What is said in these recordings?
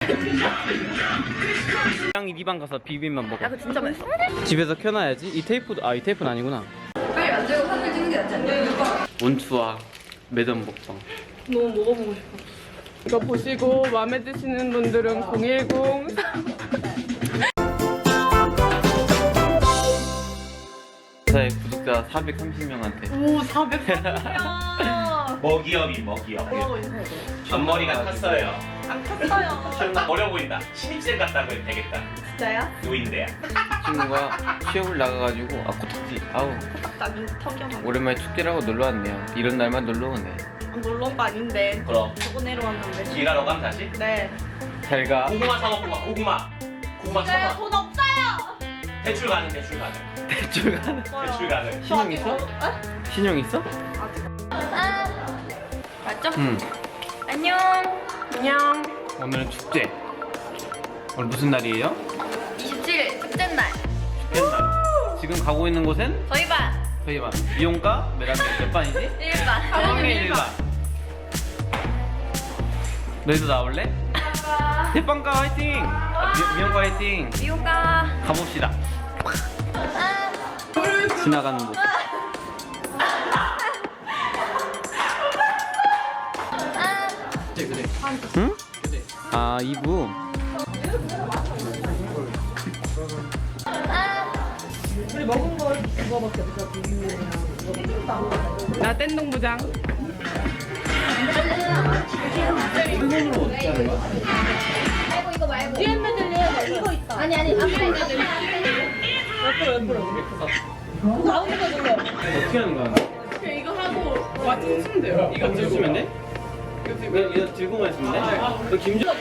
이 니방 가서 비빔만 먹어. 야, 그거 진짜 맛있어. 집에서 켜놔야지. 이 테이프도 이 테이프는 아니구나. 빨리 만들고 사진 찍는 게 낫지 않냐? 원투와 매점 먹방. 너무 먹어보고 싶어. 이거 보시고 마음에 드시는 분들은 010 저의 구독자 430명한테. 오 430명. 먹이업이 먹이업. 앞머리가 탔어요. 안 탔어요. 어려 보인다. 신입생 같다고 해도 되겠다. 진짜요? 노인대야. 친구가 취업을 나가가지고 코딱지. 아우 딱딱이 턱이어가지고 오랜만에 축제라고 놀러 왔네요. 이런 날만 놀러 오네. 놀러 온 거 아닌데 그럼 저거 내려왔는데. 일하러 가면 다시? 네. 잘 가. 고구마 사 먹고 가. 고구마. 고구마 사 먹. 돈 없어요. 대출 가능. 대출 가능. 대출 가는. 대출 가능. 신용 있어? 신용 있어? 맞죠? 응. 안녕. 안녕. 오늘은 축제. 오늘 무슨 날이에요? 27일 축제 날. 축제날. 지금 가고 있는 곳은 저희 반 저희 반 미용과 몇 반이지? 1반. 학년 1반. 너희도 나올래? 대빵가 화이팅! 미용과 화이팅! 미호가. 가봅시다. 지나가는 곳. 응? 아 2부. 나 뗀동부장. 아니 앞에 있는 어떻게 하는 거야? 그냥 이거 하고 와칭 치면 돼요. 이거 들고 있으면 돼? 이거 들고만 있으면 돼? 너 김정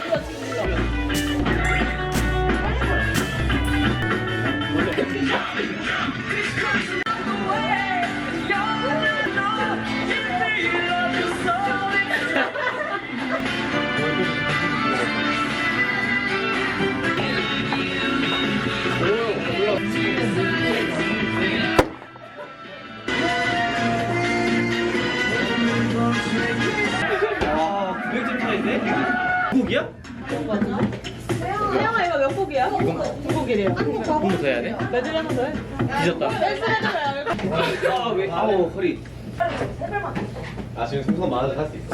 와, 900점 차인데? 곡이야? 태영아 이거 몇 곡이야? 두 곡이래요. 공부 더 해야 돼? 매질 하나 더 해. 뒤졌다. 아, 왜? 아우, 허리. 아 지금 생선 많아서 살 수 있어.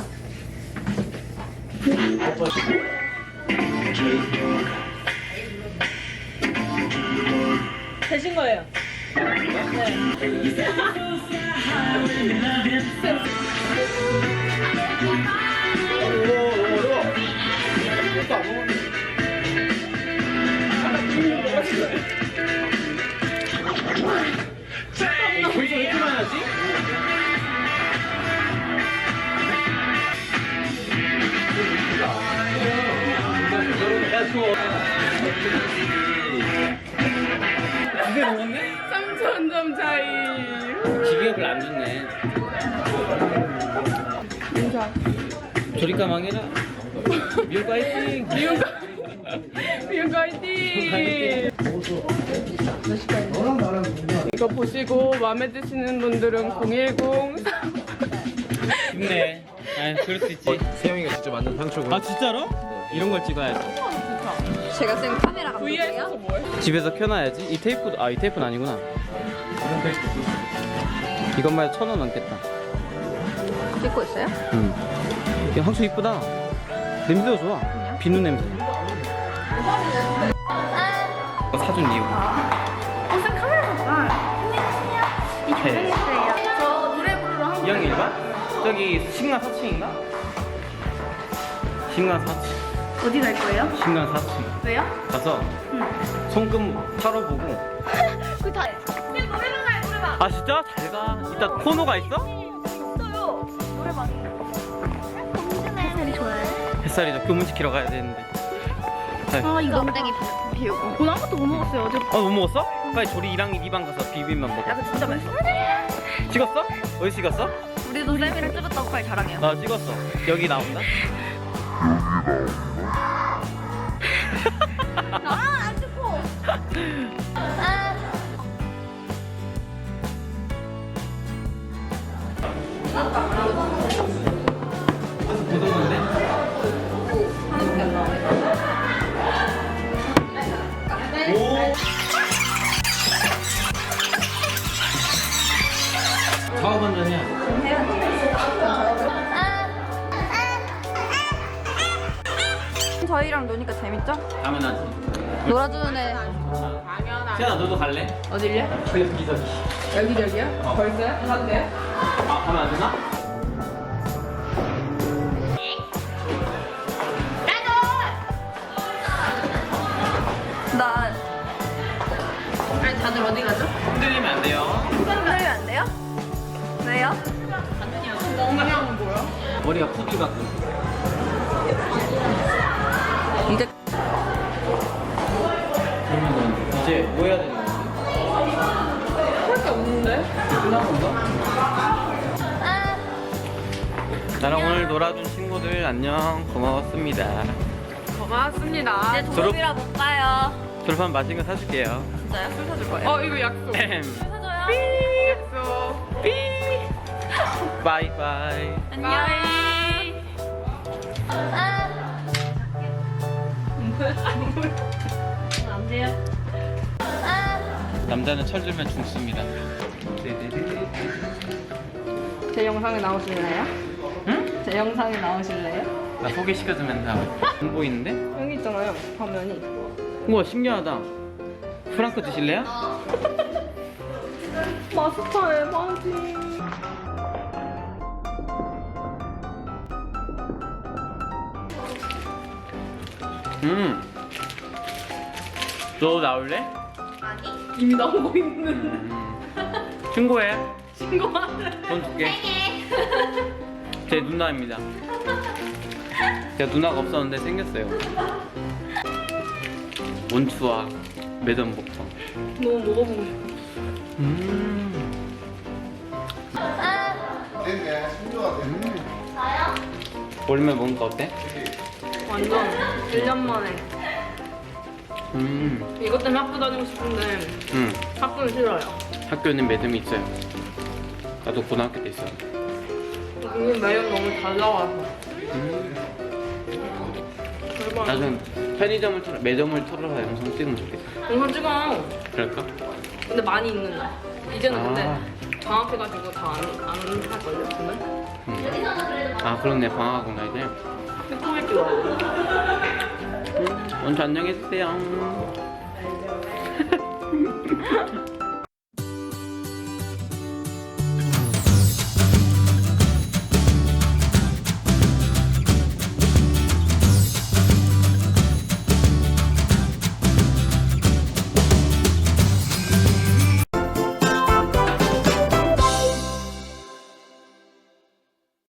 되신 거예요. 벌써 왜 이렇게 많이 하지? 야, 추워. 두개 먹었네? 3,000점 차이. 기계가 별로 안 좋네. 인사. 조리가 망해라. 미국 화이팅! 미용과 화이팅! 이거 보시고 마음에 드시는 분들은 010 힘내. 아, 그럴 수 있지. 세영이가 직접 만든 상추고. 아, 진짜로? 이런 걸 찍어야지. 제가 쓴 카메라 VR에서 감독이에요? 뭐해? 집에서 켜놔야지. 이 테이프도, 이 테이프는 아니구나. 이것만 해도 1,000원 넘겠다. 찍고 있어요? 응. 야, 향수 이쁘다. 냄새가 좋아. 비누 냄새. 사준 이유. 무슨 카메라가 안녕하세요. 이 교정했어요. 저 노래 부르러 한 2학년 1반? 저기 신간 4층인가? 신간 4층. 어디 갈 거예요? 신간 4층. 왜요? 가서 손금 털어보고. 그 다. 그냥 노래방 가요 노래방. 아, 진짜? 잘 가. 이따 코너가 있어? 있어요. 노래방. 햇살이 좋아요. 햇살이죠. 교문 지키러 가야 되는데. 아 이거 엉덩이 비우고. 오늘 아무것도 못 먹었어요. 어제. 못 먹었어? 빨리 조리 1학 2반 가서 비빔만 먹어. 야, 그거 진짜 맛있어. 찍었어? 어디 찍었어? 우리도 쌤이랑 찍었다고 빨리 자랑해요. 나 찍었어. 여기 나온다? 안 찍고. 고등어인데? 하나밖에 안 나와. 저희랑 노니까 재밌죠? 당연하지. 놀아주는 애. 당연하지. 세연아 너도 갈래? 어딜래? 여기저기. 여기저기요? 벌써요? 가도 돼요? 아 가면 안 되나? 나 아니 다들 어디 가죠? 흔들리면 안 돼요. 흔들리면 안 돼요? 왜요? 엉망은 뭐야? 머리가 푸들 같고. 이제 그러면 이제 뭐 해야 되는 거지? 할 게 없는데? 끝난 건가? 나랑 오늘 놀아준 친구들 안녕 고마웠습니다. 고맙습니다. 이제 졸업이라 못 가요. 졸업하면 맛있는 거 사줄게요. 진짜요? 술 사줄 거예요? 어 이거 약속. 술 사줘요. 약속. 바이바이. 안녕. 안 돼요? 남자는 철들면 죽습니다. 제 영상에 나오실래요? 응? 제 영상에 나오실래요? 나 소개시켜주면 다 안 보이는데? 여기 있잖아요. 화면이. 우와 신기하다. 프랑크 드실래요? 마스터 에바지. 너 나올래? 이미 나오고 있는. 신고해. 신고하는. 돈 줄게. 제 누나입니다. 제가 누나가 없었는데 생겼어요. 원추와 매점복청. 너무 먹어보고 싶어. 오랜만에 먹으니까 어때? 완전 1년 만에. 음. 이것 때문에 학교 다니고 싶은데 학교는 싫어요. 학교는 매점이 있어요. 나도 고등학교 때 있어. 이게 매일 너무 잘 나와서. 대박. 나중 매점을 털어서 영상 찍으면 좋겠다. 영상 찍어. 그럴까? 근데 많이 있는 날. 이제는 근데 아. 방학해가지고 다 안 할걸요, 오늘? 아 그렇네 방학구나 이제. 코미디 와. 원주 안녕해주세요.